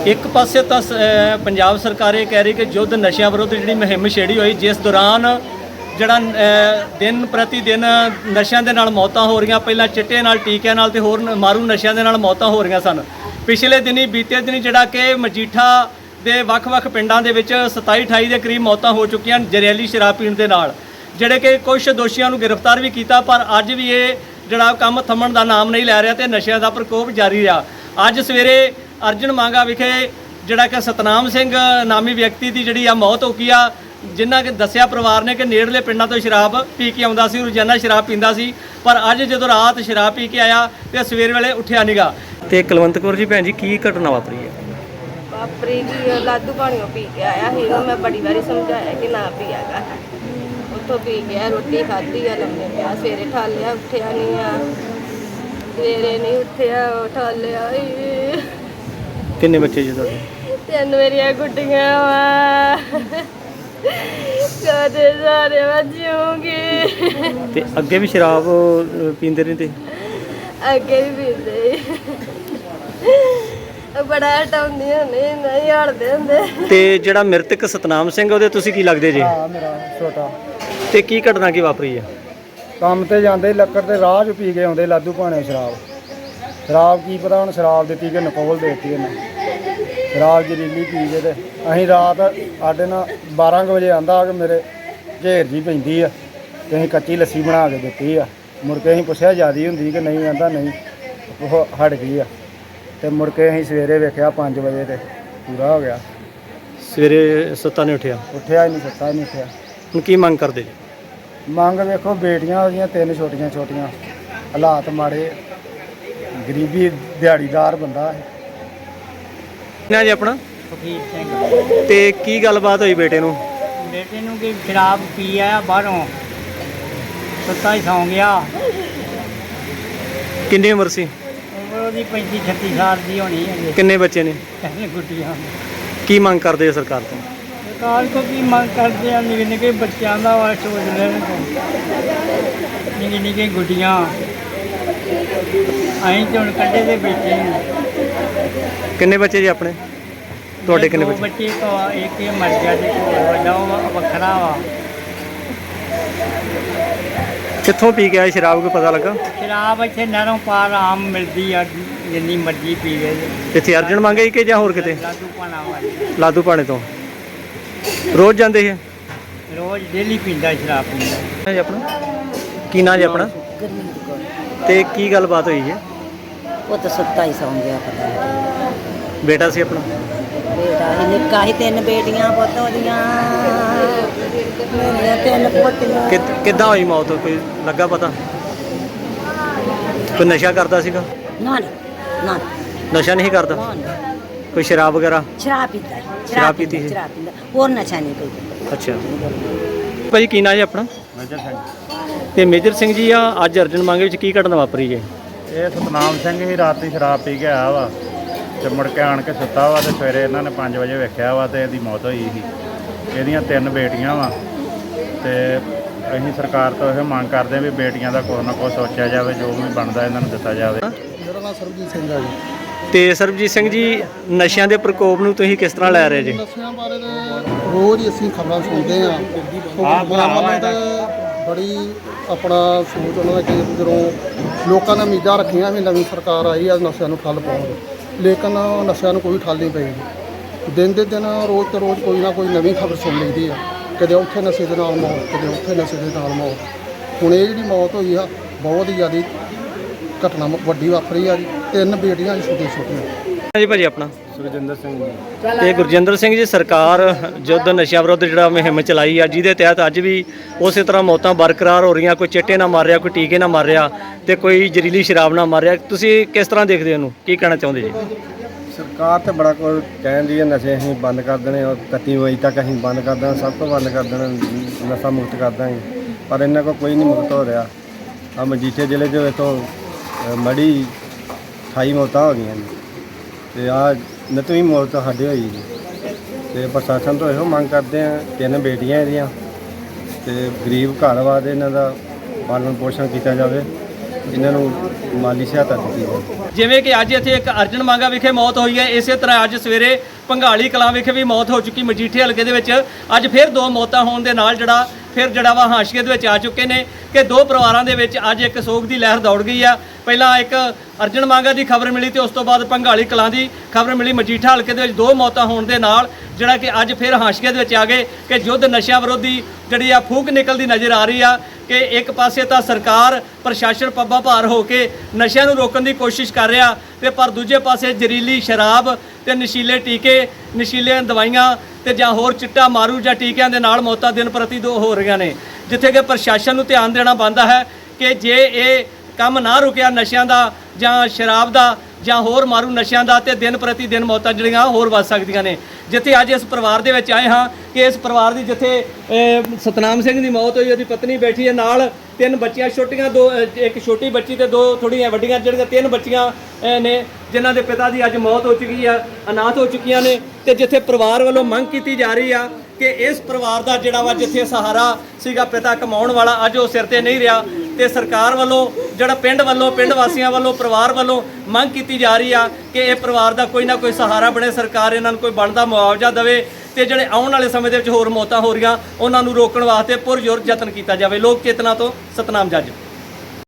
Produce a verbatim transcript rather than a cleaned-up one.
एक पासे तो पंजाब सरकार ये कह रही कि युद्ध नशा विरुद्ध जी मुहिम छेड़ी हुई, जिस दौरान जड़ा दिन प्रति दिन नशा के नाल मौतां हो रही, पहला चिट्टे नाल टीकिਆਂ नाल ते होर मारू नशा के नाल मौतां हो रही सन। पिछले दिनी बीते दिनी जड़ा कि मजीठा ਦੇ ਵੱਖ-ਵੱਖ ਪਿੰਡਾਂ ਦੇ ਵਿੱਚ सताई अठाई ਦੇ ਕਰੀਬ ਮੌਤਾਂ ਹੋ ਚੁੱਕੀਆਂ ਜ਼ਹਿਰੀਲੀ ਸ਼ਰਾਬ ਪੀਣ ਦੇ ਨਾਲ, ਜਿਹੜੇ ਕਿ ਕੁਝ ਦੋਸ਼ੀਆਂ ਨੂੰ ਗ੍ਰਿਫਤਾਰ ਵੀ ਕੀਤਾ, ਪਰ ਅੱਜ ਵੀ ਇਹ ਜਿਹੜਾ ਕੰਮ ਥੰਮਣ ਦਾ ਨਾਮ ਨਹੀਂ ਲੈ ਰਿਹਾ ਤੇ ਨਸ਼ਿਆਂ ਦਾ ਪ੍ਰਕੋਪ ਜਾਰੀ ਰਿਹਾ। ਅੱਜ ਸਵੇਰੇ ਅਰਜਨ ਮੰਗਾ ਵਿਖੇ ਜਿਹੜਾ ਕਿ ਸਤਨਾਮ ਸਿੰਘ ਨਾਮੀ ਵਿਅਕਤੀ ਦੀ ਜਿਹੜੀ ਆ ਮੌਤ ਹੋ ਗਈ ਆ, ਜਿਨ੍ਹਾਂ ਕਿ ਦੱਸਿਆ ਪਰਿਵਾਰ ਨੇ ਕਿ ਨੇੜਲੇ ਪਿੰਡਾਂ ਤੋਂ ਸ਼ਰਾਬ ਪੀ ਕੇ ਆਉਂਦਾ ਸੀ, ਰੋਜ਼ਾਨਾ ਸ਼ਰਾਬ ਪੀਂਦਾ ਸੀ, ਪਰ ਅੱਜ ਜਦੋਂ ਰਾਤ ਸ਼ਰਾਬ ਪੀ ਕੇ ਆਇਆ ਤੇ ਸਵੇਰ ਵੇਲੇ ਉੱਠਿਆ ਨੀਗਾ। ਤੇ ਕੁਲਵੰਤ ਕੌਰ ਜੀ ਭੈਣ ਜੀ ਕੀ ਘਟਨਾ ਵਾਪਰੀ ਹੈ? ਵਾਪਰੀ ਜੀ ਲਾਦੂ ਪਾਣੀਓ ਪੀ ਕੇ ਆਇਆ ਸੀ, ਮੈਂ ਬੜੀ ਵਾਰੀ ਸਮਝਾਇਆ ਕਿ ਨਾ ਪੀਆਗਾ। ਉੱਥੋਂ ਪੀ ਗਿਆ, ਰੋਟੀ ਖਾਧੀ ਆ, ਲੰਮੇ ਪਿਆ, ਸਵੇਰੇ ਠਾਲਿਆ, ਉੱਠਿਆ ਨਹੀਂ ਆ, ਸਵੇਰੇ ਨਹੀਂ ਉੱਠਿਆ, ਠਾਲਿਆ। ਕਿੰਨੇ ਬੱਚੇ ਜੀ ਤੁਹਾਡੇ? ਤਿੰਨ ਮੇਰੀਆਂ ਗੁੱਡੀਆਂ ਵਾ, ਕਦੇ ਸਾਰੇ ਵਜੂਗੀ। ਤੇ ਅੱਗੇ ਵੀ ਸ਼ਰਾਬ ਪੀਂਦੇ ਰਹਿੰਦੇ? ਅੱਗੇ ਵੀ ਪੀਂਦੇ, ਬੜਾ ਹਟਾਉਂਦੀਆਂ ਨੇ, ਨਹੀਂ ਹਟਦੇ ਹੁੰਦੇ। ਤੇ ਜਿਹੜਾ ਮ੍ਰਿਤਕ ਸਤਨਾਮ ਸਿੰਘ ਉਹਦੇ ਤੁਸੀਂ ਕੀ ਲੱਗਦੇ ਜੀ? ਹਾਂ, ਮੇਰਾ ਛੋਟਾ। ਤੇ ਕੀ ਘਟਨਾ ਕੀ ਵਾਪਰੀ ਹੈ? ਕੰਮ ਤੇ ਜਾਂਦੇ ਲੱਕੜ ਤੇ ਰਾਹ 'ਚ ਪੀ ਕੇ ਆਉਂਦੇ ਲਾਦੂ ਭਾਣੇ ਸ਼ਰਾਬ। ਸ਼ਰਾਬ ਕੀ ਪਤਾ ਹੁਣ ਸ਼ਰਾਬ ਦਿੱਤੀ ਕਿ ਨਕੋਲ ਦੇ ਦਿੱਤੀ ਇਹਨੇ। ਸ਼ਰਾਬ ਜ਼ਹਿਰੀਲੀ ਪੀ ਕੇ ਤੇ ਅਸੀਂ ਰਾਤ ਸਾਡੇ ਨਾਲ ਬਾਰਾਂ ਕੁ ਵਜੇ ਆਂਦਾ ਆ ਕਿ ਮੇਰੇ ਝੇਰ ਜੀ ਪੈਂਦੀ ਆ ਤੇ ਅਸੀਂ ਕੱਚੀ ਲੱਸੀ ਬਣਾ ਕੇ ਦਿੱਤੀ ਆ। ਮੁੜ ਕੇ ਅਸੀਂ ਪੁੱਛਿਆ ਜ਼ਿਆਦੀ ਹੁੰਦੀ ਕਿ ਨਹੀਂ, ਆਂਦਾ ਨਹੀਂ, ਉਹ ਹਟ ਗਈ ਆ। ਤੇ ਮੁੜ ਕੇ ਅਸੀਂ ਸਵੇਰੇ ਵੇਖਿਆ ਪੰਜ ਵਜੇ ਤੇ ਪੂਰਾ ਹੋ ਗਿਆ। ਸਵੇਰੇ ਸੁੱਤਾ ਨਹੀਂ ਉੱਠਿਆ? ਉੱਠਿਆ ਹੀ ਨਹੀਂ, ਸੁੱਤਾ ਹੀ ਨਹੀਂ ਉੱਠਿਆ। ਹੁਣ ਕੀ ਮੰਗ ਕਰਦੇ ਜੀ? ਮੰਗ ਵੇਖੋ, ਬੇਟੀਆਂ ਉਹਦੀਆਂ ਤਿੰਨ ਛੋਟੀਆਂ ਛੋਟੀਆਂ, ਹਾਲਾਤ ਮਾੜੇ, ਗਰੀਬੀ, ਦਿਹਾੜੀਦਾਰ ਬੰਦਾ ਹੈ। ਨਾ ਜੀ ਆਪਣਾ ਫਕੀਰ ਸਿੰਘ। ਤੇ ਕੀ ਗੱਲਬਾਤ ਹੋਈ ਬੇਟੇ ਨੂੰ? ਬੇਟੇ ਨੂੰ ਕਿ ਸ਼ਰਾਬ ਪੀ ਆਇਆ ਬਾਹਰੋਂ, ਸੁੱਤਾ ਹੀ ਸੌਂ ਗਿਆ। ਕਿੰਨੀ ਉਮਰ ਸੀ? ਉਮਰ ਉਹਦੀ ਪੈਂਤੀ ਛੱਤੀ ਸਾਲ ਦੀ ਹੋਣੀ ਹੈ। ਕਿੰਨੇ ਬੱਚੇ ਨੇ? ਕਹਿੰਦੇ ਗੁੱਡੀਆਂ। ਕੀ ਮੰਗ ਕਰਦੇ ਆ ਸਰਕਾਰ ਤੋਂ? ਸਰਕਾਰ ਕੋਲ ਕੀ ਮੰਗ ਕਰਦੇ ਆ? ਨਿੱਕੇ ਨਿੱਕੇ ਬੱਚਿਆਂ ਦਾ ਵਾ ਸੋਚ ਲੈਣ ਤੋਂ, ਨਿੱਕੇ ਨਿੱਕੇ ਗੁੱਡੀਆਂ ਅਸੀਂ ਤੇ ਹੁਣ ਕੱਢੇ ਦੇ ਬੈਠੇ ਹਾਂ। ਕਿੰਨੇ ਬੱਚੇ ਜੀ ਆਪਣੇ? ਤੁਹਾਡੇ ਕਿੰਨੇ ਦੋ ਬੱਚੇ? ਬੱਚੇ ਤੋਂ ਇੱਕ ਇਹ ਮਰ ਗਿਆ ਤੇ ਵੱਡਾ ਉਹ ਵੱਖਰਾ ਵਾ। ਕਿੱਥੋਂ ਪੀ ਕੇ ਆਏ ਸ਼ਰਾਬ, ਕੋਈ ਪਤਾ ਲੱਗਾ? ਸ਼ਰਾਬ ਇੱਥੇ ਨਹਿਰੋਂ ਪਾਰ ਆਮ ਮਿਲਦੀ ਆ, ਜਿੰਨੀ ਮਰਜ਼ੀ ਪੀ ਗਏ। ਇੱਥੇ ਅਰਜਨ ਮੰਗੇ ਕਿ ਜਾਂ ਹੋਰ ਕਿਤੇ? ਲਾਦੂ ਪਾਣਾ ਵਾਲੀ ਲਾਦੂ ਪਾਣੇ ਤੋਂ ਰੋਜ਼ ਜਾਂਦੇ ਹੈ? ਰੋਜ਼ ਡੇਲੀ ਪੀਂਦਾ, ਸ਼ਰਾਬ ਪੀਂਦਾ। ਜੀ ਆਪਣਾ ਕੀ ਨਾਂ ਜੀ ਆਪਣਾ? ਗੁਰਮੀਤ ਕੌਰ। ਤੇ ਕੀ ਗੱਲਬਾਤ ਹੋਈ ਹੈ? ਉਹ ਤਾਂ ਸੁੱਤਾ ਹੀ ਸੌਂ ਗਿਆ, ਪਤਾ ਨਹੀਂ। ਬੇਟਾ ਸੀ ਆਪਣਾ? ਬੇਟਾ ਹੀ ਨਿੱਕਾ ਹੀ, ਤਿੰਨ ਬੇਟੀਆਂ ਪੁੱਤ ਉਹਦੀਆਂ, ਮੇਰੀਆਂ ਤਿੰਨ ਪੋਤੀਆਂ। ਕਿ ਕਿੱਦਾਂ ਹੋਈ ਮੌਤ, ਕੋਈ ਲੱਗਾ ਪਤਾ? ਕੋਈ ਨਸ਼ਾ ਕਰਦਾ ਸੀਗਾ? ਨਾ ਨਾ ਨਸ਼ਾ ਨਹੀਂ ਕਰਦਾ? ਨਾ, ਕੋਈ ਸ਼ਰਾਬ ਵਗੈਰਾ? ਸ਼ਰਾਬ ਪੀਂਦਾ, ਸ਼ਰਾਬ ਪੀਤੀ ਸੀ? ਸ਼ਰਾਬ ਪੀਂਦਾ, ਹੋਰ ਨਸ਼ਾ ਨਹੀਂ ਕੋਈ। ਅੱਛਾ ਭਾਈ, ਕੀ ਨਾਂ ਜੀ ਆਪਣਾ? ਮੇਜਰ ਸਿੰਘ। ਤੇ ਮੇਜਰ ਸਿੰਘ ਜੀ, ਆ ਅੱਜ ਅਰਜਨ ਮੰਗੇ ਵਿੱਚ ਕੀ ਘਟਨਾ ਵਾਪਰੀ ਜੇ? ਇਹ ਸਤਨਾਮ ਸਿੰਘ ਹੀ ਰਾਤੀ ਸ਼ਰਾਬ ਪੀ ਕੇ ਆਇਆ ਵਾ ਤੇ ਮੁੜ ਕੇ ਆਣ ਕੇ ਸੁੱਤਾ ਵਾ ਤੇ ਸਵੇਰੇ ਇਹਨਾਂ ਨੇ ਪੰਜ ਵਜੇ ਵੇਖਿਆ ਵਾ ਤੇ ਇਹਦੀ ਮੌਤ ਹੋਈ ਸੀ। ਇਹਦੀਆਂ ਤਿੰਨ ਬੇਟੀਆਂ ਵਾ ਤੇ ਅਸੀਂ ਸਰਕਾਰ ਤੋਂ ਇਹ ਮੰਗ ਕਰਦੇ ਵੀ ਬੇਟੀਆਂ ਦਾ ਕੁਛ ਨਾ ਕੁਛ ਸੋਚਿਆ ਜਾਵੇ, ਜੋ ਵੀ ਬਣਦਾ ਇਹਨਾਂ ਨੂੰ ਦਿੱਤਾ ਜਾਵੇ। ਮੇਰਾ ਨਾਮ ਸਰਬਜੀਤ ਸਿੰਘ ਹੈ ਜੀ। ਤੇ ਸਰਬਜੀਤ ਸਿੰਘ ਜੀ, ਨਸ਼ਿਆਂ ਦੇ ਪ੍ਰਕੋਪ ਨੂੰ ਤੁਸੀਂ ਕਿਸ ਤਰ੍ਹਾਂ ਲੈ ਰਹੇ ਜੀ? ਨਸ਼ਿਆਂ ਬਾਰੇ ਤਾਂ ਰੋਜ਼ ਹੀ ਅਸੀਂ ਖਬਰਾਂ ਸੁਣਦੇ ਹਾਂ। ਗਵਰਨਮੈਂਟ ਨੇ ਬੜੀ ਆਪਣਾ ਸੋਚ ਉਹਨਾਂ ਦਾ ਕਿ ਜਦੋਂ ਲੋਕਾਂ ਨੇ ਉਮੀਦਾਂ ਰੱਖੀਆਂ ਵੀ ਨਵੀਂ ਸਰਕਾਰ ਆਈ ਆ ਨਸ਼ਿਆਂ ਨੂੰ ਠੱਲ ਪਾਉਣ, ਲੇਕਿਨ ਨਸ਼ਿਆਂ ਨੂੰ ਕੋਈ ਠੱਲ ਨਹੀਂ ਪਈ। ਦਿਨ ਦੇ ਦਿਨ ਰੋਜ਼ ਤੇ ਰੋਜ਼ ਕੋਈ ਨਾ ਕੋਈ ਨਵੀਂ ਖਬਰ ਸੁਣ ਲਈਦੀ ਆ, ਕਦੇ ਉੱਥੇ ਨਸ਼ੇ ਦੇ ਨਾਲ ਮੌਤ, ਕਦੇ ਉੱਥੇ ਨਸ਼ੇ ਦੇ ਨਾਲ ਮੌਤ। ਹੁਣ ਇਹ ਜਿਹੜੀ ਮੌਤ ਹੋਈ ਆ ਬਹੁਤ ਹੀ ਜ਼ਿਆਦਾ ਘਟਨਾ ਵੱਡੀ ਵਾਪਰੀ ਆ ਜੀ। ਤਿੰਨ ਬੇਟੀਆਂ ਛੋਟੀਆਂ ਛੋਟੀਆਂ। ਜੀ ਭਾਜੀ ਆਪਣਾ? ਸੁਰਜਿੰਦਰ ਸਿੰਘ ਜੀ। ਤੇ ਗੁਰਜਿੰਦਰ ਸਿੰਘ ਜੀ, ਸਰਕਾਰ ਯੁੱਧ ਨਸ਼ਿਆਂ ਵਿਰੁੱਧ ਜਿਹੜਾ ਮੁਹਿੰਮ ਚਲਾਈ ਆ, ਜਿਹਦੇ ਤਹਿਤ ਅੱਜ ਵੀ ਉਸੇ ਤਰ੍ਹਾਂ ਮੌਤਾਂ ਬਰਕਰਾਰ ਹੋ ਰਹੀਆਂ, ਕੋਈ ਚਿੱਟੇ ਨਾ ਮਾਰ ਰਿਹਾ, ਕੋਈ ਟੀਕੇ ਨਾ ਮਾਰ ਰਿਹਾ ਤੇ ਕੋਈ ਜ਼ਹਿਰੀਲੀ ਸ਼ਰਾਬ ਨਾ ਮਾਰ ਰਿਹਾ। ਤੁਸੀਂ ਕਿਸ ਤਰ੍ਹਾਂ ਦੇਖਦੇ ਹੋ ਇਹਨੂੰ, ਕੀ ਕਹਿਣਾ ਚਾਹੁੰਦੇ ਜੀ? ਸਰਕਾਰ ਤੇ ਬੜਾ ਕੁਝ ਕਹਿੰਦੀ ਹੈ, ਨਸ਼ੇ ਅਸੀਂ ਬੰਦ ਕਰ ਦੇਣੇ ਔਰ ਇਕੱਤੀ ਵਜੇ ਤੱਕ ਅਸੀਂ ਬੰਦ ਕਰ ਦੇਣਾ, ਸਭ ਤੋਂ ਬੰਦ ਕਰ ਦੇਣਾ, ਨਸ਼ਾ ਮੁਕਤ ਕਰ ਦਾਂਗੇ, ਪਰ ਇਹਨਾਂ ਕੋਲ ਕੋਈ ਨਹੀਂ ਮੁਕਤ ਹੋ ਰਿਹਾ। ਆ ਮਜੀਠੇ ਜ਼ਿਲ੍ਹੇ ਦੇ ਵਿੱਚੋਂ ਮੜੀ ਅਠਾਈ ਮੌਤਾਂ ਹੋ ਗਈਆਂ ਜੀ ਤੇ ਆ ਨਤਵੀਂ ਮੌਤ ਸਾਡੇ ਹੋਈ ਜੀ। ਤੇ ਪ੍ਰਸ਼ਾਸਨ ਤੋਂ ਇਹੋ ਮੰਗ ਕਰਦੇ ਆ, ਤਿੰਨ ਬੇਟੀਆਂ ਇਹਦੀਆਂ ਤੇ ਗਰੀਬ ਘਰ ਵਾ ਤੇ ਇਹਨਾਂ ਦਾ ਪਾਲਣ ਪੋਸ਼ਣ ਕੀਤਾ ਜਾਵੇ ਇਹਨਾਂ ਨੂੰ ਮਾਲੀ ਸਹਾਇਤਾ ਦਿੱਤੀ ਜਾਵੇ। ਜਿਵੇਂ ਕਿ ਅੱਜ ਇੱਥੇ ਇੱਕ ਅਰਜਨ ਮੰਗਾ ਵਿਖੇ ਮੌਤ ਹੋਈ ਹੈ, ਇਸੇ ਤਰ੍ਹਾਂ ਅੱਜ ਸਵੇਰੇ ਭੰਗਾਲੀ ਕਲਾਂ ਵਿਖੇ ਵੀ ਮੌਤ ਹੋ ਚੁੱਕੀ। ਮਜੀਠੇ ਹਲਕੇ ਦੇ ਵਿੱਚ ਅੱਜ ਫਿਰ ਦੋ ਮੌਤਾਂ ਹੋਣ ਦੇ ਨਾਲ ਜਿਹੜਾ ਫਿਰ ਜਿਹੜਾ ਵਾ ਹਾਸ਼ੀਏ ਦੇ ਵਿੱਚ ਆ ਚੁੱਕੇ ਨੇ ਕਿ ਦੋ ਪਰਿਵਾਰਾਂ ਦੇ ਵਿੱਚ ਅੱਜ ਇੱਕ ਸੋਗ ਦੀ ਲਹਿਰ ਦੌੜ ਗਈ ਆ। ਪਹਿਲਾਂ ਇੱਕ ਅਰਜਨ ਮੰਗਾ ਦੀ ਖਬਰ ਮਿਲੀ ਤੇ ਉਸ ਤੋਂ ਬਾਅਦ ਭੰਗਾਲੀ ਕਲਾਂ ਦੀ ਖਬਰ ਮਿਲੀ। ਮਜੀਠਾ ਹਲਕੇ ਦੇ ਵਿੱਚ ਦੋ ਮੌਤਾਂ ਹੋਣ ਦੇ ਨਾਲ ਜਿਹੜਾ ਕਿ ਅੱਜ ਫਿਰ ਹਾਸ਼ੀਏ ਦੇ ਵਿੱਚ ਆ ਗਏ ਕਿ ਯੁੱਧ ਨਸ਼ਿਆਂ ਵਿਰੋਧੀ ਜਿਹੜੀ ਆ ਫੂਕ ਨਿਕਲਦੀ ਨਜ਼ਰ ਆ ਰਹੀ ਆ ਕਿ ਇੱਕ ਪਾਸੇ ਤਾਂ ਸਰਕਾਰ ਪ੍ਰਸ਼ਾਸਨ ਪੱਬਾਂ ਭਾਰ ਹੋ ਕੇ ਨਸ਼ਿਆਂ ਨੂੰ ਰੋਕਣ ਦੀ ਕੋਸ਼ਿਸ਼ ਕਰ ਰਿਹਾ ਤੇ ਪਰ ਦੂਜੇ ਪਾਸੇ ਜ਼ਹਿਰੀਲੀ ਸ਼ਰਾਬ ਤੇ ਨਸ਼ੀਲੇ ਟੀਕੇ, ਨਸ਼ੀਲੀਆਂ ਦਵਾਈਆਂ ਤੇ ਜਾਂ ਹੋਰ ਚਿੱਟਾ ਮਾਰੂ ਜਾਂ ਟੀਕਿਆਂ ਦੇ ਨਾਲ ਮੌਤਾਂ ਦਿਨ ਪ੍ਰਤੀ ਦੋ ਹੋ ਰਹੀਆਂ ਨੇ, ਜਿੱਥੇ ਕਿ ਪ੍ਰਸ਼ਾਸਨ ਨੂੰ ਧਿਆਨ ਦੇਣਾ ਬਣਦਾ ਹੈ ਕਿ ਜੇ ਇਹ ਕੰਮ ਨਾ ਰੁਕਿਆ ਨਸ਼ਿਆਂ ਦਾ ਜਾਂ ਸ਼ਰਾਬ ਦਾ ਜਾਂ ਹੋਰ ਮਾਰੂ ਨਸ਼ਿਆਂ ਦਾ ਤੇ ਦਿਨ ਪ੍ਰਤੀ ਦਿਨ ਮੌਤਾਂ ਜਿਹੜੀਆਂ ਹੋਰ ਵੱਧ ਸਕਦੀਆਂ ਨੇ। ਜਿੱਥੇ ਅੱਜ ਇਸ ਪਰਿਵਾਰ ਦੇ ਵਿੱਚ ਆਏ ਹਾਂ ਕਿ ਇਸ ਪਰਿਵਾਰ ਦੀ ਜਿੱਥੇ ਅਹ, ਸਤਨਾਮ ਸਿੰਘ ਦੀ ਮੌਤ ਹੋਈ, ਉਹਦੀ ਪਤਨੀ ਬੈਠੀ ਹੈ ਨਾਲ, ਤਿੰਨ ਬੱਚੀਆਂ ਛੋਟੀਆਂ, ਦੋ ਅਹ, ਇੱਕ ਛੋਟੀ ਬੱਚੀ ਤੇ ਦੋ ਥੋੜ੍ਹੀਆਂ ਵੱਡੀਆਂ, ਜਿਹੜੀਆਂ ਤਿੰਨ ਬੱਚੀਆਂ ਅਹ, ਨੇ ਜਿਨ੍ਹਾਂ ਦੇ ਪਿਤਾ ਦੀ ਅੱਜ ਮੌਤ ਹੋ ਚੁੱਕੀ ਆ, ਅਨਾਥ ਹੋ ਚੁੱਕੀਆਂ ਨੇ। ਤੇ ਜਿੱਥੇ ਪਰਿਵਾਰ ਵੱਲੋਂ ਮੰਗ ਕੀਤੀ ਜਾ ਰਹੀ ਆ ਕਿ ਇਸ ਪਰਿਵਾਰ ਦਾ ਜਿਹੜਾ ਵਾ ਜਿੱਥੇ ਸਹਾਰਾ ਸੀਗਾ ਪਿਤਾ ਕਮਾਉਣ ਵਾਲਾ, ਅੱਜ ਉਹ ਸਿਰ ਤੇ ਨਹੀਂ ਰਿਹਾ ਤੇ ਸਰਕਾਰ ਵੱਲੋਂ ਜਿਹੜਾ ਪਿੰਡ ਵੱਲੋਂ ਪਿੰਡ ਵਾਸੀਆਂ ਵੱਲੋਂ ਪਰਿਵਾਰ ਵੱਲੋਂ ਮੰਗ ਕੀਤੀ ਜਾ ਰਹੀ ਆ ਕਿ ਇਹ ਪਰਿਵਾਰ ਦਾ ਕੋਈ ਨਾ ਕੋਈ ਸਹਾਰਾ ਬਣੇ, ਸਰਕਾਰ ਇਹਨਾਂ ਨੂੰ ਕੋਈ ਬਣਦਾ ਮੁਆਵਜ਼ਾ ਦੇਵੇ ਤੇ ਜਿਹੜੇ ਆਉਣ ਵਾਲੇ ਸਮੇਂ ਦੇ ਵਿੱਚ ਹੋਰ ਮੌਤਾਂ ਹੋ ਰਹੀਆਂ ਉਹਨਾਂ ਨੂੰ ਰੋਕਣ ਵਾਸਤੇ ਪੁਰਜ਼ੋਰ ਯਤਨ ਕੀਤਾ ਜਾਵੇ। ਲੋਕ ਚੇਤਨਾ ਤੋਂ ਸਤਨਾਮ ਜੱਜ।